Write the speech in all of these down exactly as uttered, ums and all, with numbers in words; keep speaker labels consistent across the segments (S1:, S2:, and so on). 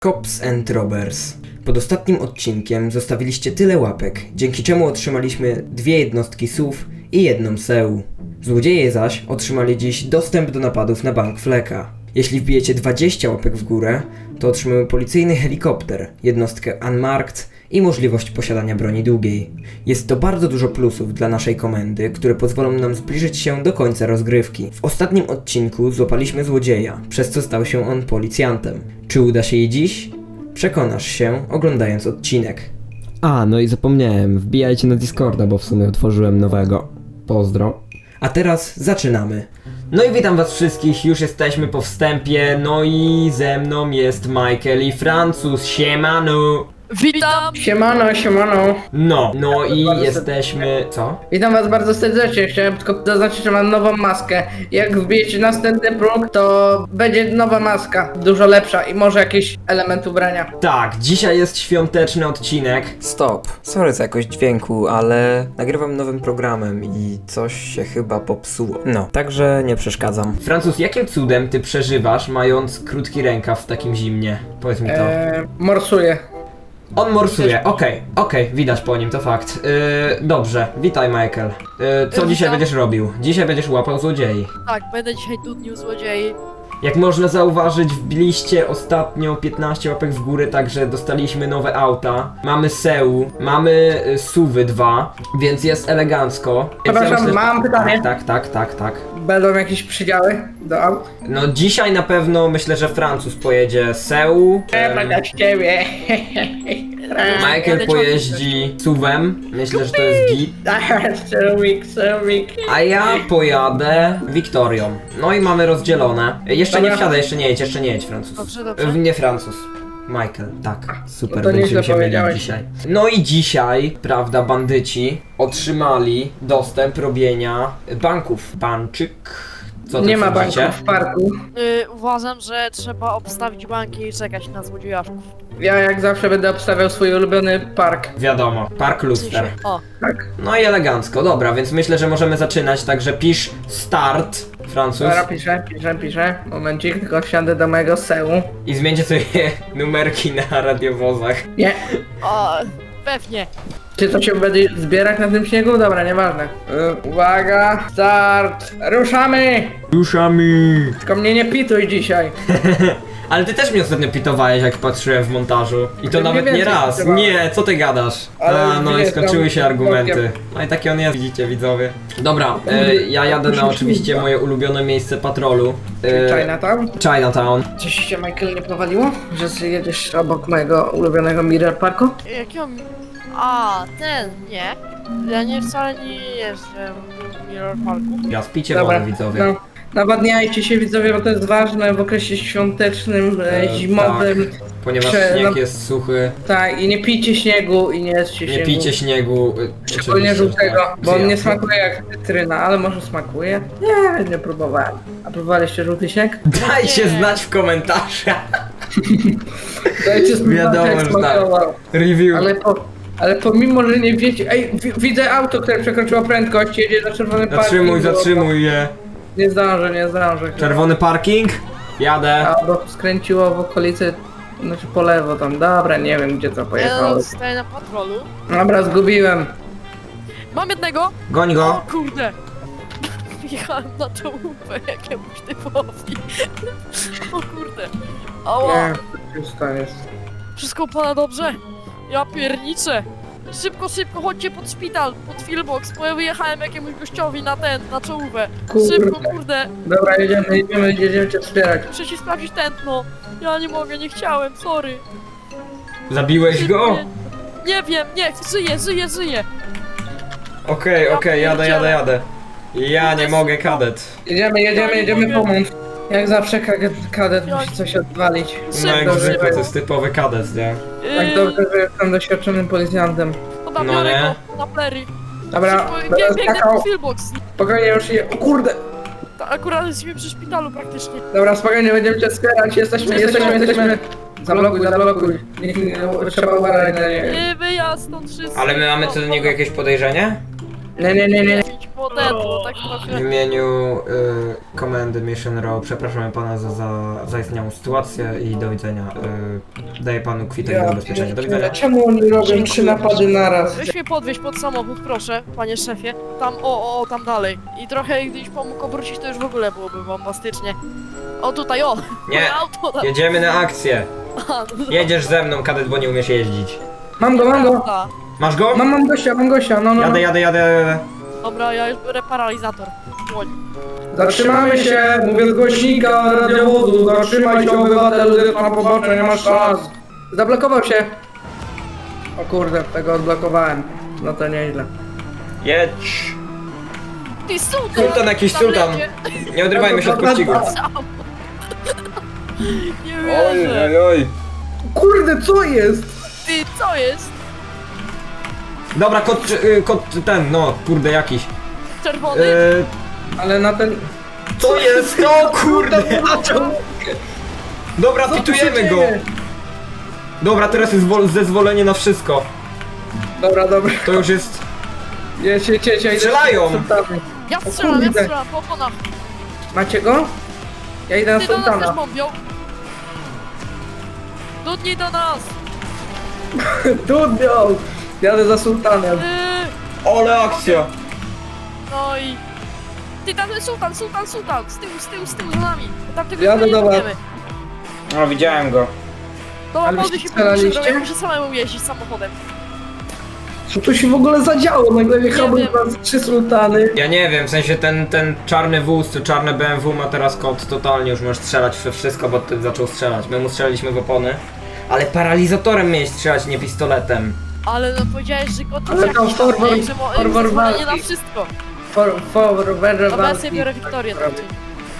S1: Cops and Robbers. Pod ostatnim odcinkiem zostawiliście tyle łapek, dzięki czemu otrzymaliśmy dwie jednostki S U V i jedną S E U. Złodzieje zaś otrzymali dziś dostęp do napadów na bank Fleka. Jeśli wbijecie dwadzieścia łapek w górę, to otrzymamy policyjny helikopter, jednostkę Unmarked i możliwość posiadania broni długiej. Jest to bardzo dużo plusów dla naszej komendy, które pozwolą nam zbliżyć się do końca rozgrywki. W ostatnim odcinku złapaliśmy złodzieja, przez co stał się on policjantem. Czy uda się jej dziś? Przekonasz się, oglądając odcinek.
S2: A, no i zapomniałem, wbijajcie na Discorda, bo w sumie otworzyłem nowego. Pozdro.
S1: A teraz zaczynamy. No i witam was wszystkich, już jesteśmy po wstępie, no i ze mną jest Michael i Francuz, siemano!
S3: Witam!
S4: Siemano, siemano.
S1: No, no i jesteśmy... co?
S4: Witam was bardzo serdecznie. Chciałem tylko zaznaczyć, że mam nową maskę. Jak wbijecie następny próg, to będzie nowa maska. Dużo lepsza i może jakiś element ubrania.
S1: Tak, dzisiaj jest świąteczny odcinek.
S5: Stop. Sorry za jakość dźwięku, ale nagrywam nowym programem i coś się chyba popsuło. No, także nie przeszkadzam.
S1: Francuz, jakim cudem ty przeżywasz, mając krótki rękaw w takim zimnie? Powiedz mi to.
S4: Eee, morsuję.
S1: On morsuje, okej, okej, widać po nim, to fakt. Yy, dobrze, witaj Michael. Yy, co
S3: Witam.
S1: dzisiaj będziesz robił? Dzisiaj będziesz łapał złodziei.
S3: Tak, będę dzisiaj dudnił złodziei.
S1: Jak można zauważyć, wbiliście ostatnio piętnaście łapek w górę, także dostaliśmy nowe auta. Mamy S E U, mamy y, S U V-y dwa, więc jest elegancko. Więc
S4: Przepraszam,
S1: myślę,
S4: mam pytanie.
S1: Tak, tak, tak, tak.
S4: Będą jakieś przydziały do aut?
S1: No dzisiaj na pewno myślę, że Francuz pojedzie S E U. em,
S4: Będę z ciebie.
S1: Michael
S3: Jadę
S1: pojeździ S U V-em, myślę, że to jest git.
S4: Serwik, serwik.
S1: A ja pojadę Wiktorią. No i mamy rozdzielone. Jeszcze nie
S4: Dobra.
S1: wsiadaj, jeszcze nie jedź, jeszcze nie jedź Francuz.
S3: Dobrze, dobrze.
S1: E, Nie Francuz. Michael, tak. Super,
S4: No to
S1: będziemy
S4: nieźle
S1: się mieli
S4: powiedziałeś.
S1: dzisiaj. No i dzisiaj, prawda, bandyci otrzymali dostęp robienia banków. Banczyk. Co ty
S4: Nie ma
S1: sądzicie?
S4: banków w parku.
S3: Yy, uważam, że trzeba obstawić banki i czekać na złodziejaszków.
S4: Ja jak zawsze będę obstawiał swój ulubiony park.
S1: Wiadomo, Park Luster.
S3: O,
S4: Tak.
S1: No i elegancko, dobra, więc myślę, że możemy zaczynać, także pisz start, Francuz.
S4: Dobra, piszę, piszę, piszę. Momencik, tylko wsiądę do mojego S E U.
S1: I zmieńcie sobie numerki na radiowozach.
S4: Nie.
S3: o, pewnie.
S4: Czy to się będzie zbierać na tym śniegu? Dobra, nieważne. Y, uwaga, start, ruszamy!
S1: Ruszamy!
S4: Tylko mnie nie pituj dzisiaj.
S1: Ale ty też mnie ostatnio pitowałeś, jak patrzyłem w montażu. I to
S4: Nie
S1: nawet nie
S4: więcej
S1: raz.
S4: pitowałem.
S1: Nie, co ty gadasz?
S4: Ale
S1: A, no i
S4: wiesz,
S1: skończyły
S4: tam
S1: się argumenty.
S4: bokiem.
S1: No i taki on jest, widzicie widzowie. Dobra, e, ja jadę na oczywiście moje ulubione miejsce patrolu. E,
S4: Chinatown?
S1: Chinatown.
S4: Coś się Michael nie powaliło? Że jedziesz obok mojego ulubionego Mirror Parku?
S3: Jakiego... A, ten, nie. Ja nie wcale nie jeżdżę w Mirror Parku.
S1: Ja spicie wodę, widzowie.
S4: no. Nawadniajcie się widzowie, bo to jest ważne w okresie świątecznym, e,
S1: E,
S4: zimowym.
S1: tak, ponieważ
S4: Prze-
S1: śnieg
S4: no-
S1: jest suchy.
S4: Tak, i nie pijcie śniegu i nie jedzcie
S1: Nie
S4: śniegu.
S1: pijcie śniegu. e,
S4: Szczególnie
S1: oczywiście,
S4: żółtego,
S1: tak.
S4: bo on nie
S1: Jasne.
S4: smakuje jak cytryna, ale może smakuje? Nie, nie próbowałem. A próbowaliście żółty śnieg?
S1: Dajcie
S3: Nie.
S1: znać w komentarzach.
S4: Dajcie spróbować,
S1: Wiadomo,
S4: jak
S1: że tak.
S4: smakował.
S1: Review.
S4: Ale, po, ale pomimo, że nie wiecie... Ej, wi- widzę auto, które przekroczyło prędkość, jedzie na czerwony parking.
S1: Zatrzymuj,
S4: bo-
S1: zatrzymuj je.
S4: Nie zdążę, nie zdążę.
S1: Czerwony parking? Jadę.
S4: Albo skręciło w okolicy, znaczy po lewo tam, dobra, nie wiem gdzie to
S3: Ja
S4: pojechało.
S3: stoję na patrolu.
S4: Dobra, zgubiłem.
S3: Mam jednego!
S1: Goń
S3: O
S1: go.
S3: kurde! Jechałem na czołówkę jakiemuś typowi. O kurde. Ała!
S4: Nie, już to jest.
S3: Wszystko u pana dobrze? Ja pierniczę! Szybko, szybko, chodźcie pod szpital, pod Filbox, bo ja wyjechałem jakiemuś gościowi na ten, na czołówę.
S4: Kurde.
S3: Szybko, kurde,
S4: Dobra, jedziemy, jedziemy, jedziemy cię wspierać.
S3: muszę ci sprawdzić tętno. Ja nie mogę, nie chciałem, sorry.
S1: Zabiłeś go?
S3: Nie, nie wiem, nie, żyję, żyję, żyję.
S1: Okej,
S3: Ja
S1: okej, jadę, jadę,
S3: pierdzielę.
S1: jadę. Ja nie mogę, kadet.
S4: Jedziemy, jedziemy,
S3: Ja nie
S4: jedziemy
S3: mogę.
S4: pomóc. Jak zawsze kadet, kadet
S3: Ja-
S4: musi coś odwalić.
S1: No jak
S3: Szybko,
S1: zwykle,
S3: szybko.
S1: to jest typowy kadet, nie?
S4: Tak
S3: Yy,
S4: dobrze, że jestem doświadczonym policjantem.
S3: Dobra,
S1: No
S3: biorę
S1: nie.
S3: go na plery.
S4: Dobra,
S3: Szybko,
S4: będę
S3: bie, biegnę
S4: skakał.
S3: pod Filbox.
S4: Spokojnie już je... O kurde!
S3: Ta- Akurat jesteśmy przy szpitalu praktycznie.
S4: Dobra, spokojnie, będziemy cię wspierać, jesteśmy, jesteśmy, jesteśmy. Zablokuj, zablokuj. Niech nie, trzeba uważać na nie.
S3: Yy, wyjazd stąd wszyscy.
S1: Ale my mamy co do niego jakieś podejrzenie?
S4: Nie, nie, nie, nie.
S3: Bo bo ten, bo tak
S1: W
S3: trochę...
S1: imieniu y, komendy Mission Row przepraszamy pana za, za zaistniałą sytuację i do widzenia. Y, daję panu kwitek na ubezpieczenie. Do widzenia.
S4: Czemu oni robią trzy napady naraz?
S3: Weź mnie podwieźć pod samochód, proszę, panie szefie. Tam, o, o, tam dalej. I trochę, gdybyś pomógł obrócić, to już w ogóle byłoby bombastycznie. O, tutaj, o!
S1: Nie,
S3: moje auto, tam.
S1: jedziemy na akcję.
S3: A, no to-
S1: Jedziesz ze mną, kadet, bo nie umiesz jeździć.
S4: Mam go, mam go!
S3: Prawda.
S1: Masz go?
S4: Mam, mam gościa, mam gościa, no, no.
S1: Jadę, jadę, jadę, jadę.
S3: Dobra, ja już biorę paralizator. Dłoń.
S4: Zatrzymamy się, mówię z głośnika radiowodu, zatrzymaj się obywatelu, jest na pobocze, nie masz szans. Zablokował się. O kurde, tego odblokowałem. No to nieźle.
S1: Jedź.
S3: Ty, sultan!
S1: Sultan jakiś,
S3: Tam
S1: sultan.
S3: jedzie.
S1: Nie odrywajmy się od pościgu.
S3: Nie wierzę.
S1: oj.
S4: Kurde, co jest?
S3: Ty, co jest?
S1: Dobra, kod, y, kod ten, no, kurde, jakiś.
S3: Czerwony?
S1: Y,
S4: Ale na ten...
S1: co jest? O kurde. Dobra,
S4: Co tu się
S1: pitujemy go.
S4: dzieje?
S1: Dobra, teraz jest wol- zezwolenie na wszystko.
S4: Dobra, dobra.
S1: To już jest...
S4: Jedź, jedź, jedź, jedź.
S1: Strzelają.
S3: Ja strzelam, ja
S4: kurde.
S3: strzelam, po oponach.
S4: Macie go? Ja idę na
S3: Ty do nas też
S4: sultana.
S3: bombią. Dudnij do nas.
S4: Dudnią! Jadę za sultanem.
S3: Yy,
S1: Ale akcja.
S3: no i... Ty, tam jest sultan, sultan, sultan. Z tyłu, z tyłu, z tyłu, za nami. Tam tego
S4: Jadę
S3: nie
S4: do was.
S3: będziemy.
S1: No, widziałem go.
S3: Dobra,
S4: Ale
S3: może
S4: się
S3: się
S4: strzelaliście?
S3: podnieść, ja muszę samemu jeździć samochodem.
S4: Co tu się w ogóle zadziało? Nagle wjechały
S3: Nie wiem.
S4: nas trzy sultany.
S1: Ja nie wiem, w sensie ten, ten czarny wóz, czy czarne B M W ma teraz kod totalnie, już możesz strzelać we wszystko, bo ty zaczął strzelać. My mu strzelaliśmy w opony. Ale paralizatorem miałeś strzelać, nie pistoletem.
S3: Ale no powiedziałeś, że go to
S4: Ale tam forward-
S3: że mo-
S4: forward
S3: zezwolenie
S4: walki.
S3: na wszystko.
S4: For, for, for,
S3: Dobra, ja sobie biorę Wiktorię. to ty.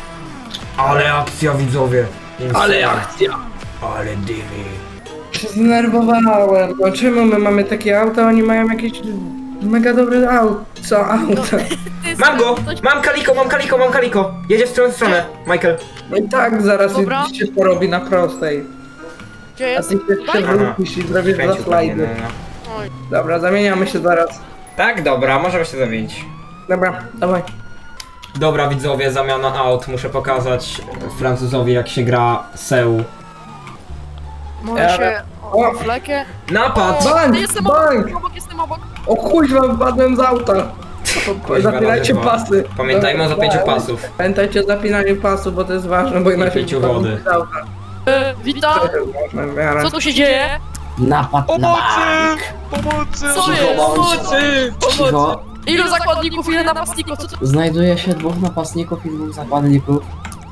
S1: Ale akcja, widzowie.
S4: Ale akcja.
S1: Ale dymy.
S4: Się zdenerwowałem. No czemu my mamy takie auta, oni mają jakieś mega dobre auto. Co auto?
S3: Ty,
S1: Mam go!
S3: coś-
S1: Mam kaliko, mam kaliko, mam kaliko! Jedzie w stronę, w stronę, Michael.
S4: No i tak zaraz
S3: Dobra.
S4: się porobi na prostej.
S3: Gdzie
S4: A
S3: jest?
S4: ty się
S3: Tutaj?
S4: przewrócisz i zrobisz dwa
S1: Kręcił pewnie,
S4: slajdy.
S1: no, no.
S3: Oj.
S4: Dobra, zamieniamy się zaraz.
S1: Tak, dobra, możemy się zamienić.
S4: Dobra, dawaj.
S1: Dobra, widzowie, zamiana aut. Muszę pokazać Francuzowi, jak się gra Seu.
S3: Może
S4: Ja-
S3: się...
S4: O!
S3: O, flekę.
S1: Napad!
S4: Bank,
S3: Jestem
S4: bank!
S3: obok, obok, jestem obok.
S4: O kuźwa, wypadłem z auta.
S1: Kuźwa,
S4: Zapinajcie
S1: razy dwa.
S4: pasy.
S1: Pamiętajmy o zapięciu
S4: Dobra.
S1: pasów.
S4: Pamiętajcie o zapinaniu pasu, bo to jest ważne, bo inaczej
S1: piciu
S4: wypadną
S1: wody.
S4: z auta.
S3: E, witam.
S4: To jest ważne w miarę.
S3: Co tu się dzieje?
S6: Napad na bank!
S3: Co jest?
S6: Pomocy! Cicho.
S3: Ilu zakładników, ile napastników? Co to?
S6: Znajduje się dwóch napastników i dwóch zakładników.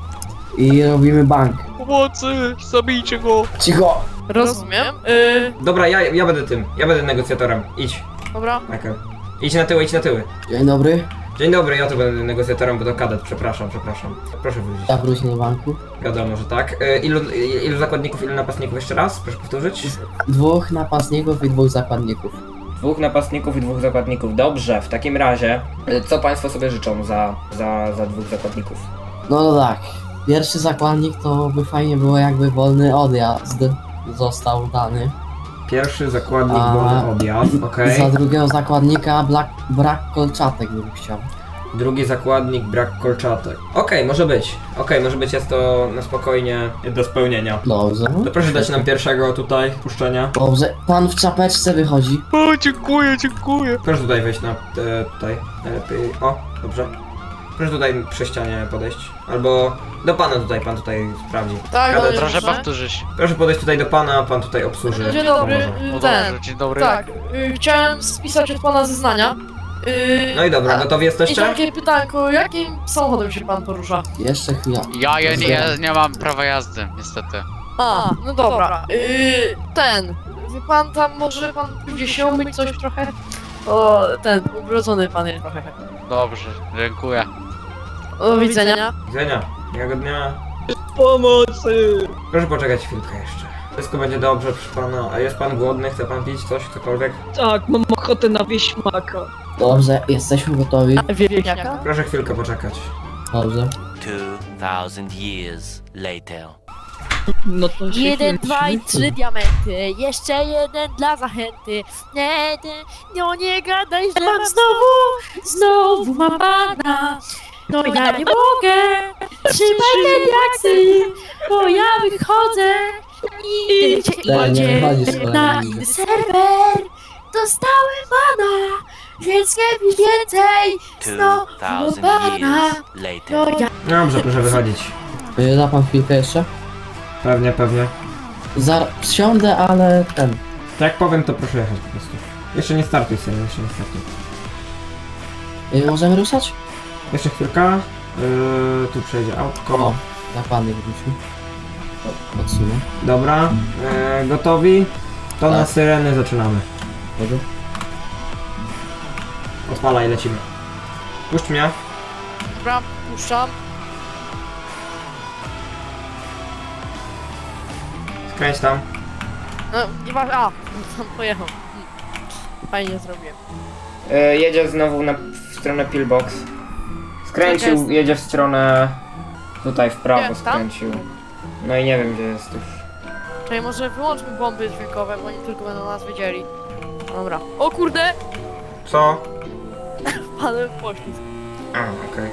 S6: I robimy bank.
S7: Pomocy! Zabijcie go!
S6: Cicho!
S3: Rozumiem. Y,
S1: Dobra, ja, ja będę tym. Ja będę negocjatorem. Idź,
S3: dobra.
S1: Michael. Idź na tyły, idź na tyły.
S6: Dzień dobry.
S1: Dzień dobry, ja tu będę negocjatorem, bo to kadet, przepraszam, przepraszam. Proszę wrócić.
S6: Ja wrócę do banku.
S1: Wiadomo, że tak. E, ilu, i- ilu zakładników, ilu napastników jeszcze raz? Proszę powtórzyć.
S6: Dwóch napastników i dwóch zakładników.
S1: Dwóch napastników i dwóch zakładników. Dobrze, w takim razie, e, co państwo sobie życzą za, za, za dwóch zakładników?
S6: No to tak. Pierwszy zakładnik to by fajnie było jakby wolny odjazd został dany.
S1: Pierwszy zakładnik,
S6: A-
S1: wolny odjazd, okej.
S6: Za drugiego zakładnika brak, brak kolczatek bym chciał.
S1: Drugi zakładnik, brak kolczatek. Okej, może być. Okej, może być, jest to na spokojnie do spełnienia.
S6: Dobrze.
S1: To proszę dać nam pierwszego tutaj puszczenia.
S6: Dobrze. Pan w czapeczce wychodzi.
S7: O, dziękuję, dziękuję!
S1: Proszę tutaj wejść na... E, tutaj. Najlepiej. O, dobrze. Proszę tutaj przy ścianie podejść. Albo do pana tutaj, pan tutaj sprawdzi.
S3: Tak,
S1: Kadet,
S3: ale
S7: Proszę
S3: dobrze.
S7: powtórzyć.
S1: Proszę podejść tutaj do pana, pan tutaj obsłuży.
S3: Dzień dobry.
S1: Pomoże.
S3: y,
S7: O
S3: Ten.
S7: dobrze, dzień dobry.
S3: Tak. y, Chciałem spisać od pana zeznania. Y,
S1: No i dobra,
S3: a-
S1: gotowi
S3: I
S1: jesteście?
S3: takie pytanko, jakim samochodem się pan porusza?
S6: Jeszcze chwila.
S7: Ja, ja, nie, ja nie mam prawa jazdy, niestety.
S3: A, no dobra. Y, ten. Wie pan tam, może pan gdzieś się umyć coś trochę? O, ten, ubrudzony pan jest trochę.
S7: Dobrze, dziękuję.
S3: Do widzenia.
S1: Widzenia. Miłego dnia.
S7: Pomocy!
S1: Proszę poczekać chwilkę jeszcze. Wszystko będzie dobrze, proszę pana. A jest pan głodny? Chce pan pić coś, cokolwiek?
S8: Tak, mam ochotę na wieśmaka.
S6: Dobrze, jesteśmy gotowi.
S3: Wiewiaka?
S1: Proszę chwilkę poczekać.
S6: Dobrze.
S9: Two thousand years later.
S8: No to się
S3: Jeden,
S8: kręci.
S3: dwa i trzy diamenty. Jeszcze jeden dla zachęty. Nie, nie, no nie gadaj, że mam znowu, znowu mam bana. No ja nie mogę. Trzymaj te diaksy, bo ja wychodzę. I
S6: Ten nie wychodzi z
S3: na
S6: kolejnym.
S3: inny serwer. Dostałem bana, więc nie pisz więcej. Znowu bana. No ja
S1: Dobrze, proszę wychodzić.
S6: Y, Da pan chwilkę jeszcze?
S1: Pewnie, pewnie.
S6: Zar... Wsiądę, ale ten...
S1: Tak jak powiem, to proszę jechać po prostu. Jeszcze nie startuj sobie, jeszcze nie startuj.
S6: Y, Możemy ruszać?
S1: Jeszcze chwilka. Yy, tu przejdzie
S6: O,
S1: autko.
S6: zakładnik wrócił. O, Odsunę.
S1: Dobra. Yy, gotowi? To na
S6: Tak.
S1: syreny zaczynamy.
S6: Dobra.
S1: Odpalaj, lecimy. Puść mnie.
S3: dobra, puszczam.
S1: Skręć tam.
S3: No, nie ma. A, tam pojechał. Hmm. Fajnie zrobiłem.
S1: Yy, jedzie znowu na, w stronę pillbox. Skręcił,
S3: Czekaj.
S1: jedzie w stronę... Tutaj w prawo
S3: Gdzie? Tam?
S1: skręcił. No i nie wiem gdzie jest już.
S3: Czyli może wyłączmy bomby dźwiękowe, bo oni tylko będą nas wiedzieli. Dobra. O kurde!
S1: Co?
S3: Wpadłem w poślizg.
S1: A, okej.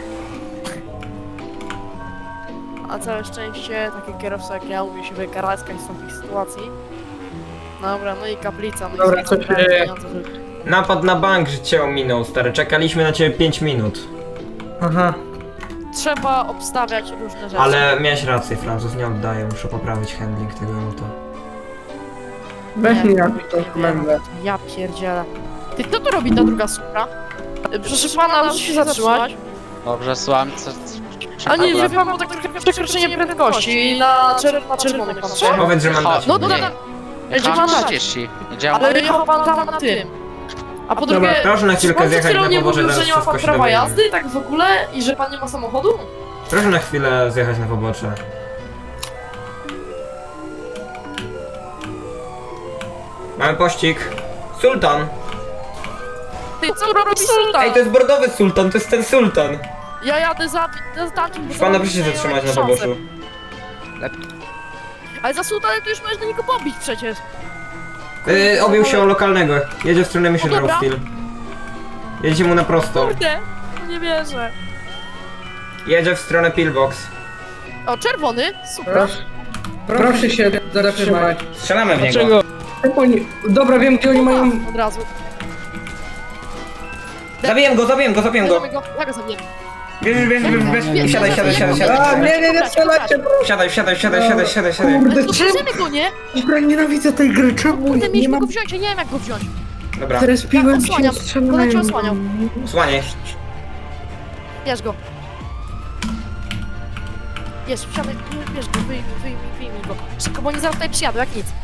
S3: A całe szczęście taki kierowca jak ja umie się wykaraskać z takich sytuacji. Dobra, no i kaplica. No
S4: Dobra,
S3: i
S4: co się dzieje?
S1: Napad na bank, że cię ominął, stary. Czekaliśmy na ciebie pięć minut.
S4: Aha.
S3: Trzeba obstawiać różne rzeczy.
S1: Ale miałeś rację, Francuz, nie oddaję. Muszę poprawić handling tego auta.
S4: Weź
S3: Nie,
S4: mi na
S3: nie
S4: tą
S3: wiem.
S4: komendę.
S3: Ja pierdzielę. Ty, kto tu robi ta druga supra? Y, Proszę pana, proszę się zatrzymać.
S7: Dobrze, słucham, co... co-
S3: A nie,
S7: problem?
S3: wie pan, bo tak trochę przekroczenie prędkości i na, czer na czerwonych pan przejechał.
S1: Powiedz, że mandacie.
S3: No
S1: będzie.
S3: dobra,
S7: Jechałem
S3: Gdzie pan
S7: trzydzieści. Jedziałem...
S3: ale jechał pan tam na tym. A po drugie,
S1: Proszę na chwilkę
S3: pan przed
S1: zjechać
S3: chwilą
S1: na
S3: nie
S1: pobocze,
S3: mówił,
S1: zaraz
S3: że nie ma
S1: wszystko
S3: pan
S1: się
S3: prawa
S1: dowiemy.
S3: jazdy, tak w ogóle? I że pan nie ma samochodu?
S1: Proszę na chwilę zjechać na pobocze. Mamy pościg. Sultan!
S3: Ty, co robi sultan?
S1: Ej, to jest bordowy sultan, to jest ten sultan.
S3: Ja jadę za, za tamtym, bo
S1: Pana
S3: za-
S1: proszę się
S3: ja
S1: zatrzymać
S3: mam
S1: na
S3: szansę.
S1: poboczu.
S3: Ale za sultanem to już możesz do niego pobić przecież.
S1: Yy, objął się o lokalnego. Jedzie w stronę Mission
S3: O, dobra.
S1: Row Steel. Jedziecie mu na prosto.
S3: Kurde, no nie wierzę.
S1: Jedzie w stronę pillbox.
S3: O, czerwony, super.
S4: Proszę, proszę się zatrzymać.
S1: Strzelamy w niego.
S8: Dlaczego?
S4: Jak oni... Dobra, wiem gdzie oni mają...
S3: Od razu.
S1: Zabiję go, zabiję go, zabiję go.
S3: Bierzemy go, ja go zabiję.
S1: Bierz, bierz, bierz, bierz. Siadaj, siadaj, siadaj,
S4: A,
S1: siadaj.
S4: nie, nie, nie strzelajcie, proszę.
S1: Siadaj, siadaj, siadaj, siadaj, siadaj, siadaj.
S3: Ale
S4: Kurde,
S3: to
S4: czemu?
S3: bierzemy go, nie?
S4: Dobra, nienawidzę tej gry, czemu?
S3: Kurde,
S4: Nie
S3: mieliśmy
S4: mam...
S3: go wziąć, ja nie wiem jak go wziąć.
S1: Dobra,
S4: Teraz piłem
S3: Ja
S4: się
S3: osłaniam,
S4: strzelają.
S3: będę cię osłaniał.
S1: słaniaj.
S3: Bierz go. Bierz, wsiadaj, bierz go, wyjmij, wyjmij, wyjmij go. Szybko, bo oni zaraz tutaj przyjadą, jak nic.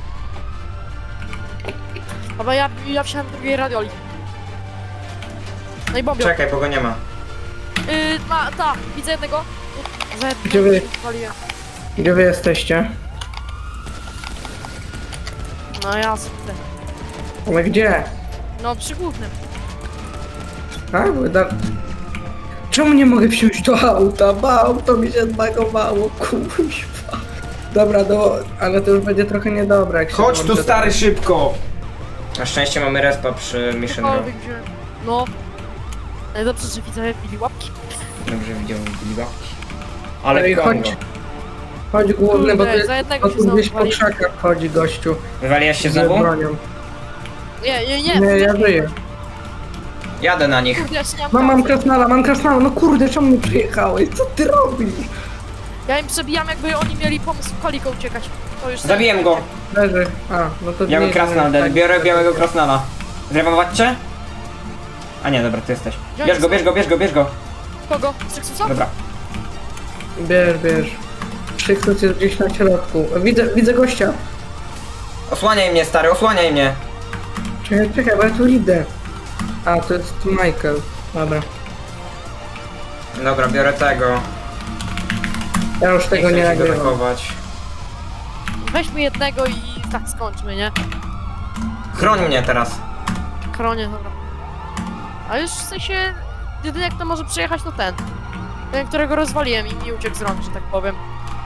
S3: Dobra, ja, ja wsiadam do drugiej radioli. No i bombią.
S1: Czekaj, bo go nie ma.
S3: Yy, ma, ta, widzę jednego. Za jednego
S4: Gdzie wy?
S3: waliłem.
S4: Gdzie wy jesteście?
S3: No jasne.
S4: Ale gdzie?
S3: No przy głównym.
S4: A, bo da... Czemu nie mogę wsiąść do auta? Bo auto mi się zbagowało, kuźwa. Dobra, do... ale to już będzie trochę niedobre, jak się
S1: Chodź tu
S4: włączy-
S1: stary, szybko! Na szczęście mamy respa przy Mission Row.
S3: Cokolwiek wziąłem. No. Najlepsze, że widzowie bili łapki.
S1: Dobrze widziałem Liba. Ale
S4: Ej,
S1: Kongo.
S4: chodź. Chodź główny, bo
S3: Kurde,
S4: ty...
S3: za jednego
S4: bo
S3: się
S4: tu
S3: znowu
S4: gdzieś po
S3: wali.
S4: krzakach chodzi gościu.
S1: Wywaliłaś się
S4: Z
S1: znowu?
S4: bronią.
S3: Nie, nie, nie.
S4: Nie, ja żyję.
S1: Jadę na nich.
S3: Kurde, ja się nie
S4: Mam, mam
S3: mam kasy.
S4: krasnala, mam krasnala, no kurde, czemu nie przyjechałeś? Co ty robisz?
S3: Ja im przebijam, jakby oni mieli pomysł koliką uciekać. To już
S1: Zabiłem go.
S4: Leży. A, no to
S1: Biały
S4: nie-
S1: krasnal,
S4: tak.
S1: biorę białego krasnala. Zrewować cię? A nie, dobra, ty jesteś. Bierz go, bierz go, bierz go, bierz go.
S3: Kogo? Stryksusa?
S1: Dobra.
S4: Bierz, bierz. Krzykus jest gdzieś na środku. Widzę, widzę gościa.
S1: Osłaniaj mnie, stary, osłaniaj mnie.
S4: Czekaj, czekaj, bo ja tu idę. A, to jest Michael. Dobra.
S1: Dobra, biorę tego.
S4: Ja już
S1: Nie
S4: tego
S1: chcę
S4: nie
S1: się
S4: nagrywam.
S1: atakować.
S3: Weźmy jednego i tak skończmy, nie?
S1: Chroń mnie teraz.
S3: Kronie, dobra. A już w sensie, jedyny jak to może przejechać to ten. Ten, którego rozwaliłem i mi uciekł z rąk, że tak powiem.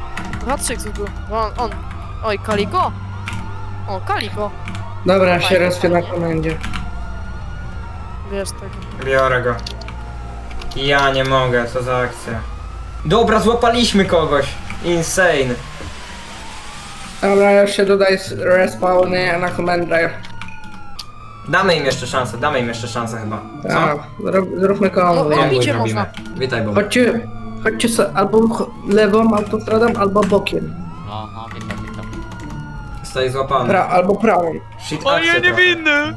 S3: Patrzcie, co tu. On, on. Oj, Kaliko? O, Kaliko.
S4: Dobra, się rozpię na komendzie.
S3: Wiesz tego.
S5: Biorę go. Ja nie mogę, co za akcja. Dobra, złapaliśmy kogoś. Insane.
S4: Dobra, już się dodaj z respawny na komendę.
S5: Damy im jeszcze szansę, damy im jeszcze szansę chyba. Co?
S4: Tak, zrób, zróbmy konwój.
S3: No,
S5: Konwój
S3: robicie
S5: robimy.
S3: można.
S5: Witaj, Bob.
S4: Chodźcie, chodźcie so, albo ch- lewą autostradą, albo bokiem.
S7: No, no, witam, witam.
S5: Zostaj złapany.
S4: Pra, albo prawą.
S5: Shit, akcja niewinny!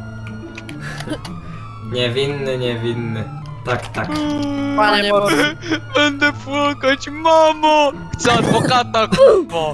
S5: Niewinny, niewinny. Tak, tak.
S3: Panie Boże.
S7: Będę płakać, mamo! Chcę adwokata, k***o!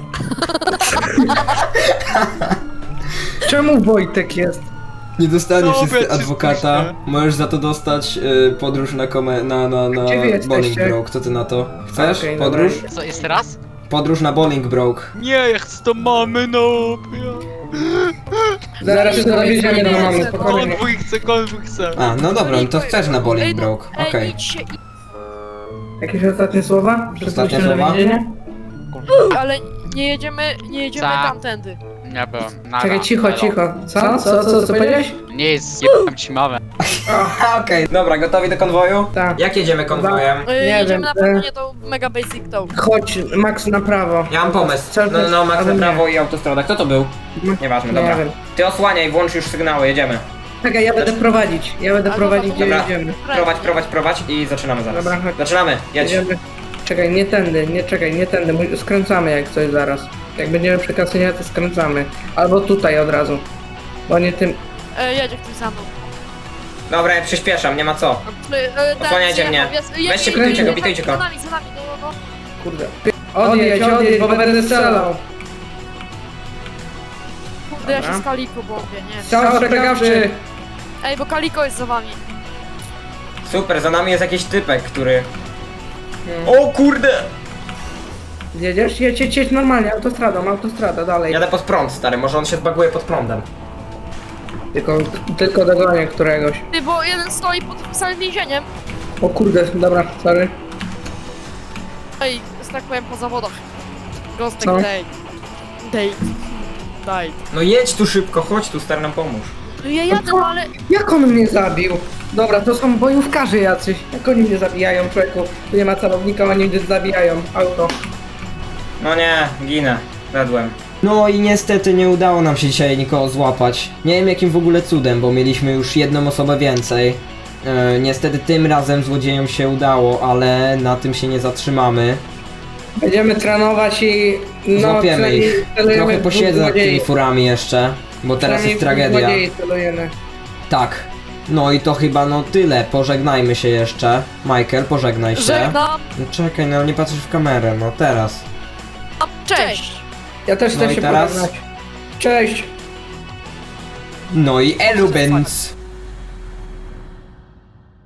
S4: Czemu Wojtek jest?
S2: Nie dostaniesz
S7: Dobra,
S2: niestety
S7: ci
S2: adwokata,
S7: spuszczę.
S2: możesz za to dostać y, podróż na kome, na, na, na
S4: Gdzie wy jesteście?
S2: Bolingbroke, co ty na to? Chcesz
S4: Okej,
S2: podróż?
S4: dobra.
S7: Co, jeszcze raz?
S2: Podróż na Bolingbroke.
S7: Nie, ja chcę do mamy, no.
S4: Zaraz się dowiedziemy do mamy,
S3: Konwój,
S4: spokojnie.
S7: Konwój chcę, konwój chcę.
S2: A, no dobra, no to chcesz na Bolingbroke,
S3: Ej,
S2: okej.
S3: idź się, idź,
S4: Jakieś ostatnie słowa? Przed
S2: Ostatnie
S4: pójściem na
S2: słowa?
S4: więzienie?
S3: ale nie jedziemy, nie jedziemy
S7: Za.
S3: tamtędy.
S7: Nie byłem. Nara,
S4: Czekaj, cicho,
S7: elo.
S4: cicho. Co? Co? Co? Co, co powiedziałeś?
S7: Nie jest, jebam ci mamę.
S5: Okej, dobra, gotowi do konwoju?
S4: Tak.
S5: Jak jedziemy konwojem?
S3: Y,
S4: Nie
S3: jedziemy
S4: wiem,
S3: na pewno
S4: e-
S3: nie tą Mega Basic Town.
S4: Chodź, Max na prawo.
S5: Ja mam pomysł.
S4: Chcesz
S5: No, no, no, Max
S4: albo
S5: na
S4: nie?
S5: prawo i autostrada. Kto to był?
S4: No,
S5: Nieważne,
S4: Nie
S5: dobra.
S4: wiem.
S5: Ty osłaniaj, włącz już sygnały, jedziemy.
S4: Czekaj, ja będę prowadzić. Ja będę
S3: A,
S4: prowadzić, gdzie
S5: dobra.
S4: jedziemy.
S5: Prowadź, prowadź, prowadź i zaczynamy zaraz.
S4: Dobra, chodź.
S5: Zaczynamy, jedź.
S4: Jedziemy. Czekaj, nie tędy, nie czekaj, nie tędy. Mój- Skręcamy jak coś zaraz. Jak będziemy przy kasynie, to skręcamy. Albo tutaj od razu. Bo nie tym.
S3: E, jedzie ktoś za mną.
S5: Dobra, ja przyspieszam, nie ma co.
S3: E, e, ten
S5: Osłaniajcie
S3: zjechał,
S5: mnie.
S3: jest-
S5: Weźcie,
S3: jedzie,
S4: bitujcie
S3: jedzie,
S4: go,
S5: bitujcie go.
S3: Za nami, za nami, no, no.
S4: Kurde. Odjedź, odjedź, bo będę strzelał.
S3: Kurde, ja się
S4: Dobra.
S3: z Kaliko boję, nie.
S4: Strzał ostrzegawczy.
S3: Ej, bo Kaliko jest za wami.
S5: Super, za nami jest jakiś typek, który...
S4: Hmm.
S5: O kurde!
S4: Jedziesz? Jedź, jedź, jedź normalnie, autostradą, autostrada, dalej.
S5: Jadę pod prąd, stary, może on się zbaguje pod prądem.
S4: Tylko, tylko dogonię któregoś.
S3: Ty, bo jeden stoi pod samym więzieniem.
S4: O kurde, dobra, sorry.
S3: Ej, że tak powiem, po zawodach. Gostek
S4: Co?
S3: date. Date. Date.
S5: No jedź tu szybko, chodź tu, stary, nam pomóż.
S3: No ja jadę, no ale...
S4: Jak on mnie zabił? Dobra, to są bojówkarze jacyś. Jak oni mnie zabijają, człowieku? Tu nie ma celownika, oni mnie zabijają. Auto.
S5: No nie, ginę. Wedłem.
S2: No i niestety nie udało nam się dzisiaj nikogo złapać. Nie wiem jakim w ogóle cudem, bo mieliśmy już jedną osobę więcej. E, niestety tym razem złodziejom się udało, ale na tym się nie zatrzymamy.
S4: Będziemy trenować i... No,
S2: Złapiemy
S4: przynajmniej
S2: ich.
S4: celujemy
S2: Trochę
S4: w
S2: posiedzę
S4: dwóch
S2: nad tymi
S4: złodziei.
S2: furami jeszcze, bo teraz
S4: Przynajmniej
S2: jest
S4: w dwóch
S2: tragedia.
S4: złodziei celujemy.
S2: Tak. No i to chyba no tyle. Pożegnajmy się jeszcze. Michael, pożegnaj się.
S3: Żegnam.
S2: No czekaj, no nie patrzysz w kamerę, no teraz.
S3: Cześć.
S4: Ja też
S2: No
S4: chcę
S2: i
S4: się
S2: teraz?
S4: pożegnać. Cześć.
S2: No i Elubens.